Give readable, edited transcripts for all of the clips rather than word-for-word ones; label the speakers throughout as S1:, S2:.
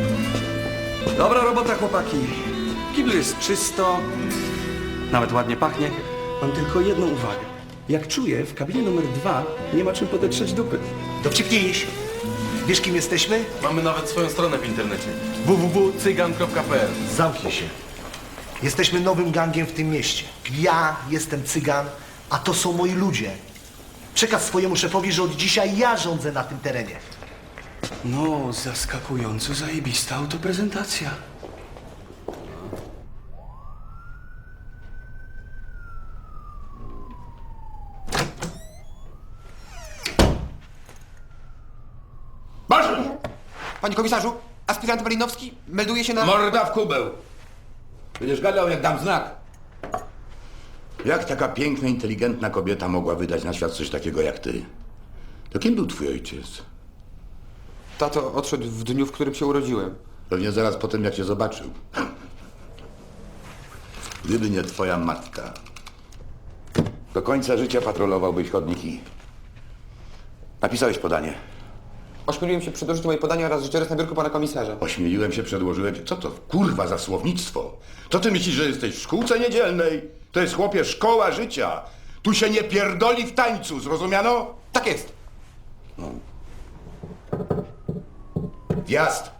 S1: Dobra robota, chłopaki. W kiblu jest czysto, nawet ładnie pachnie. Mam tylko jedną uwagę. Jak czuję, w kabinie numer 2 nie ma czym podetrzeć dupy.
S2: Dowcipnijś. Wiesz, kim jesteśmy?
S3: Mamy nawet swoją stronę w internecie. www.cygan.pl.
S2: Zamknij się. Jesteśmy nowym gangiem w tym mieście. Ja jestem cygan, a to są moi ludzie. Przekaz swojemu szefowi, że od dzisiaj ja rządzę na tym terenie.
S1: No, zaskakująco zajebista autoprezentacja.
S4: Panie komisarzu, aspirant Malinowski melduje się na...
S5: Morda w kubeł! Będziesz gadał, jak dam znak. Jak taka piękna, inteligentna kobieta mogła wydać na świat coś takiego jak ty? To kim był twój ojciec?
S4: Tato odszedł w dniu, w którym się urodziłem.
S5: Pewnie zaraz po tym, jak cię zobaczył. Gdyby nie twoja matka, do końca życia patrolowałbyś chodniki. Napisałeś podanie.
S4: Ośmieliłem się przedłożyć moje podanie oraz życiorys na biurku pana komisarza.
S5: Ośmieliłem się, przedłożyłem. Co to kurwa za słownictwo? To ty myślisz, że jesteś w szkółce niedzielnej? To jest, chłopie, szkoła życia. Tu się nie pierdoli w tańcu, zrozumiano?
S4: Tak jest.
S5: Wjazd!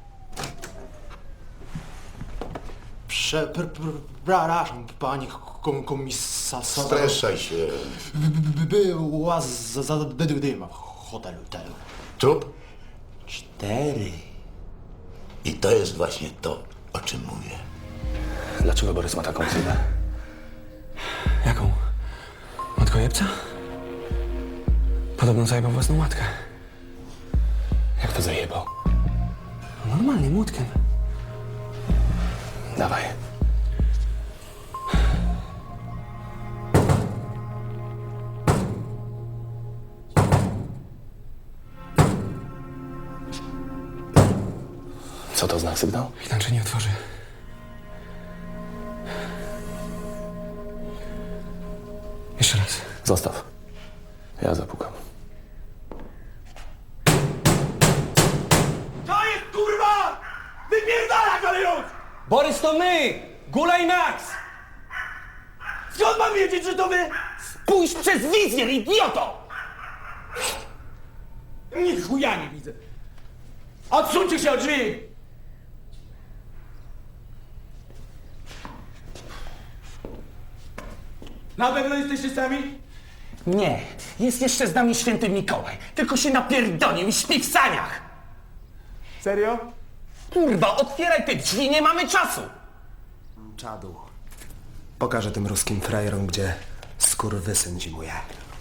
S6: Przepraszam, panie komisarzu.
S5: Streszczaj się.
S6: Była zadyma w hotelu.
S5: Trup?
S6: 4.
S5: I to jest właśnie to, o czym mówię.
S1: Dlaczego Borys ma taką ksywę? Jaką? Matkojebca? Podobno zajebał własną matkę. Jak to zajebał? No normalnie, młotkiem. Dawaj. Co to znak sygnał? Inaczej nie otworzy. Jeszcze raz. Zostaw. Ja zapukam.
S7: To jest kurwa! Wypierdalać, ale już!
S8: Borys, to my! Gula i Max!
S7: Skąd mam wiedzieć, że to wy?
S8: Pójść przez wizjer, idioto!
S7: Ni chuja nie widzę. Odsuńcie się od drzwi! Na pewno jesteście sami?
S8: Nie, jest jeszcze z nami święty Mikołaj. Tylko się napierdolił i śpi w saniach.
S7: Serio?
S8: Kurwa, otwieraj te drzwi, nie mamy czasu!
S2: Czadu. Pokażę tym ruskim frajerom, gdzie skurwysyn zimuje.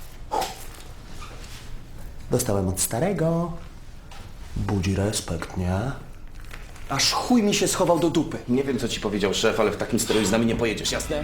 S2: Dostałem od starego. Budzi respekt, nie?
S1: Aż chuj mi się schował do dupy.
S8: Nie wiem, co ci powiedział szef, ale w takim stroju z nami nie pojedziesz, jasne?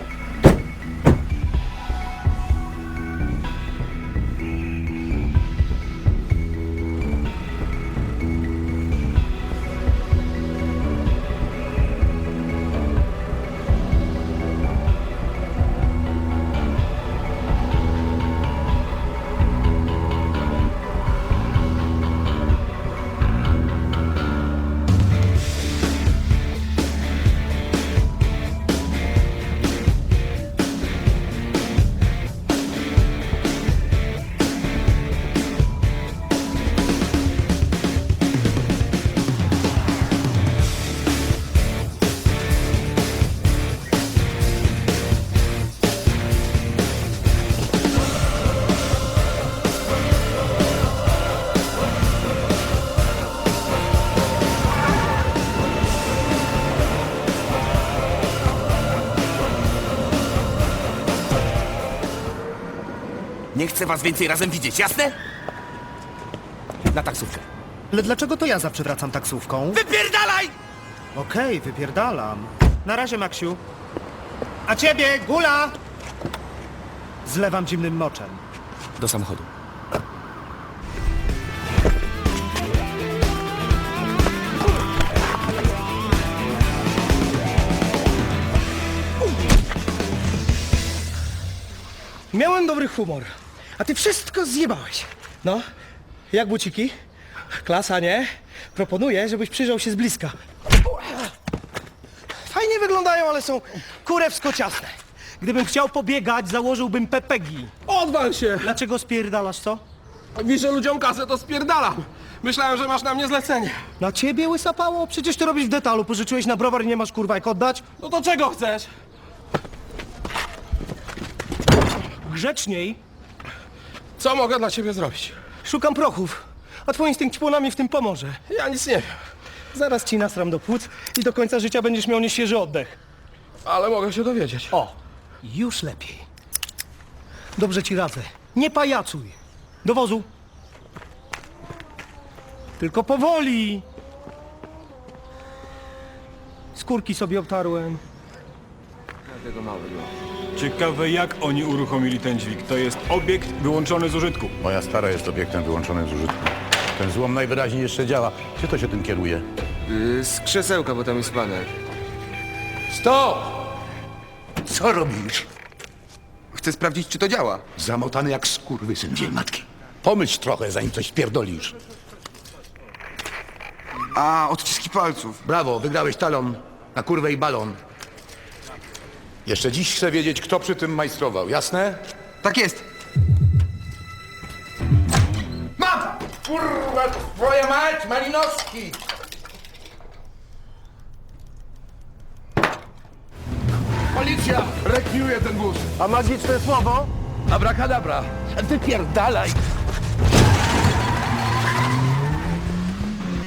S8: Nie chcę was więcej razem widzieć, jasne? Na taksówkę.
S2: Ale dlaczego to ja zawsze wracam taksówką?
S8: Wypierdalaj!
S2: Okej, wypierdalam. Na razie, Maksiu. A ciebie, Gula! Zlewam zimnym moczem.
S8: Do samochodu.
S9: Miałem dobry humor, a ty wszystko zjebałeś. No, jak buciki? Klasa, nie? Proponuję, żebyś przyjrzał się z bliska. Fajnie wyglądają, ale są kurewsko ciasne. Gdybym chciał pobiegać, założyłbym pepegi.
S7: Odwal się!
S9: Dlaczego spierdalasz, co?
S7: Wiszę ludziom kasę, to spierdalam. Myślałem, że masz na mnie zlecenie.
S9: Na ciebie łysapało? Przecież ty robisz w detalu. Pożyczyłeś na browar i nie masz kurwa jak oddać?
S7: No to czego chcesz?
S9: Grzeczniej.
S7: Co mogę dla ciebie zrobić?
S9: Szukam prochów. A twój instynkt płonami w tym pomoże.
S7: Ja nic nie wiem,
S9: Zaraz ci nasram do płuc i do końca życia będziesz miał nieświeży oddech.
S7: ale mogę się dowiedzieć.
S9: O, już lepiej. Dobrze ci radzę. Nie pajacuj. Do wozu. Tylko powoli. Skórki sobie obtarłem.
S10: Ciekawe, jak oni uruchomili ten dźwig. To jest obiekt wyłączony z użytku.
S5: Moja stara jest obiektem wyłączonym z użytku. Ten złom najwyraźniej jeszcze działa. Gdzie to się tym kieruje?
S3: Z krzesełka, bo tam jest panek.
S5: Stop! Co robisz?
S4: Chcę sprawdzić, czy to działa.
S5: Zamotany jak skurwysyn dzień matki. Pomyśl trochę, zanim coś pierdolisz.
S4: A, odciski palców.
S5: Brawo, wygrałeś talon na kurwę i balon. Jeszcze dziś chcę wiedzieć, kto przy tym majstrował, jasne?
S4: Tak jest.
S5: Mam! Kurwa, twoja mać, Malinowski! Policja! Rekwiuje ten wóz!
S9: A magiczne słowo?
S5: Abracadabra! Wypierdalaj!